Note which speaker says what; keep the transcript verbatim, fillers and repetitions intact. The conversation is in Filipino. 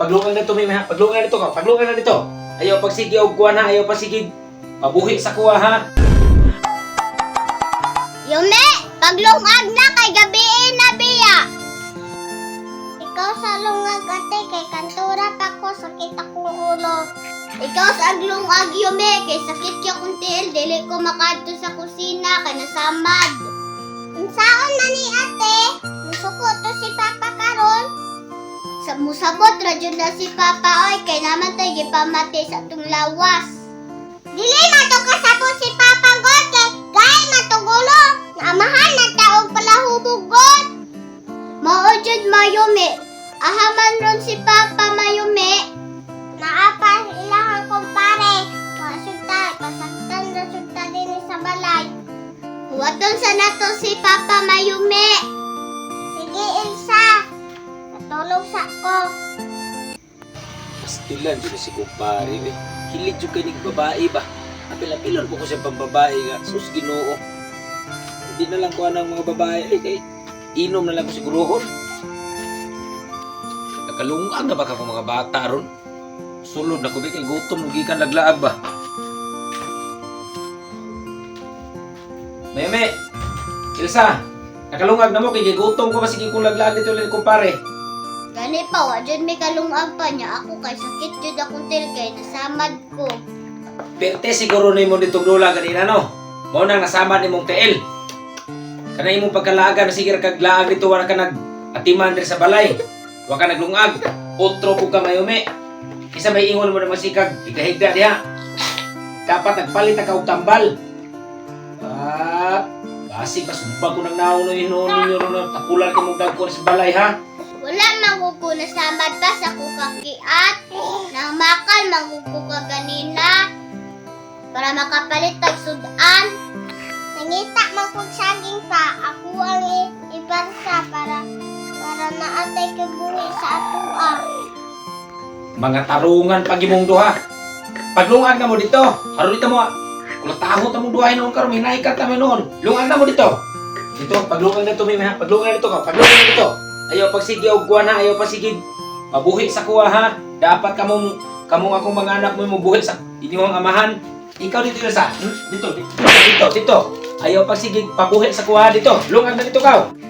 Speaker 1: paglungan na to, may ha. Paglungan na dito ka. Paglungan na dito. Ayaw pagsigi og kuha na, ayaw pagsigi. Mabuhi sa kuha ha.
Speaker 2: Yume, paglungag na kay gabiin na biya. Ikaw sa lungag ate kay kantura pa ko sakit akong ulo. Ikaw sa aglungag Yume kay sakit ka kong tiil dili ko makadto sa kusina kay nasamad. Unsaon na ni ate? Musuko to si Papa karon. Sa musabot ra jud na si Papa oy kay naman tay gipamati sa atong lawas. Dili na to kasabot si Papa God kay gay matugulo. Naamahan na taog pala hubugot. Mao jud Mayumi. Ahaman ron si Papa Mayumi. Naapa ilahang kumpare. Pasugta, pasaktan na sugta din sa balay. Huwaton sa nato si Papa Mayumi. Sige Elsa. Natulog sa ko.
Speaker 1: Pastilan dito si kumpare. Eh. Hilig yung kanig babae ba? Apil-apilon ko ko siya pang babae nga. Sus, Ginoo. Hindi na lang ko ng mga babae. Eh, eh. Inom na lang ko sigurohon. Nakalungag na ba ka mga bata ron? Sulod na ko ba kay gutom nung gikan laglaag ba? Meme! Ilsa! Nakalungag na mo kay gutom ko ba sige kung laglaag dito ulit kumpare?
Speaker 2: Gani pa, wa dyan may kalungag pa niya. Ako kay sakit dyan akong til kay nasamad ko.
Speaker 1: Perte siguro na mo ditong lula ganina no? Mao nang nasamad ni mong tiil. Kanay imong pagkalaaga na sige kaglaag dito wala ka nag atiman diri sa balay. Wa ka naglungag. Otro po ka Mayumi. Isa may ingon mo na masikag ikahigda diha. Dapat nagpalit ka og tambal. Ah, basi pa sumpag ko nang nauno inon ninyo na tapulan ka mong dagko sa balay ha.
Speaker 2: Wala magugo na samad pa sa kukakiat. Nang makal magugo ka ganina. Para makapalit tag sudan. Nangita magkog saging pa. Ako ang ibarsa para para naatay ka buhi sa atua.
Speaker 1: Mga tarungan pag imong duha. Paglungag na mo dito. Haro dito mo. Kung taho ta mong duha noon karon hinaikat ta noon. Lungag na mo dito. Dito paglungag na to may ha. Paglungag na dito ka. Paglungag na dito. Ayaw pagsigi og kuha na, ayaw pagsigi. Mabuhi sa kuha ha. Dapat kamong kamong akong mga anak mo mabuhi sa inyong amahan. Ikaw dito sa. Hmm? Dito, dito, dito, dito. Ayaw pagsigi pabuhi sa kuha dito. Lungag na dito ka.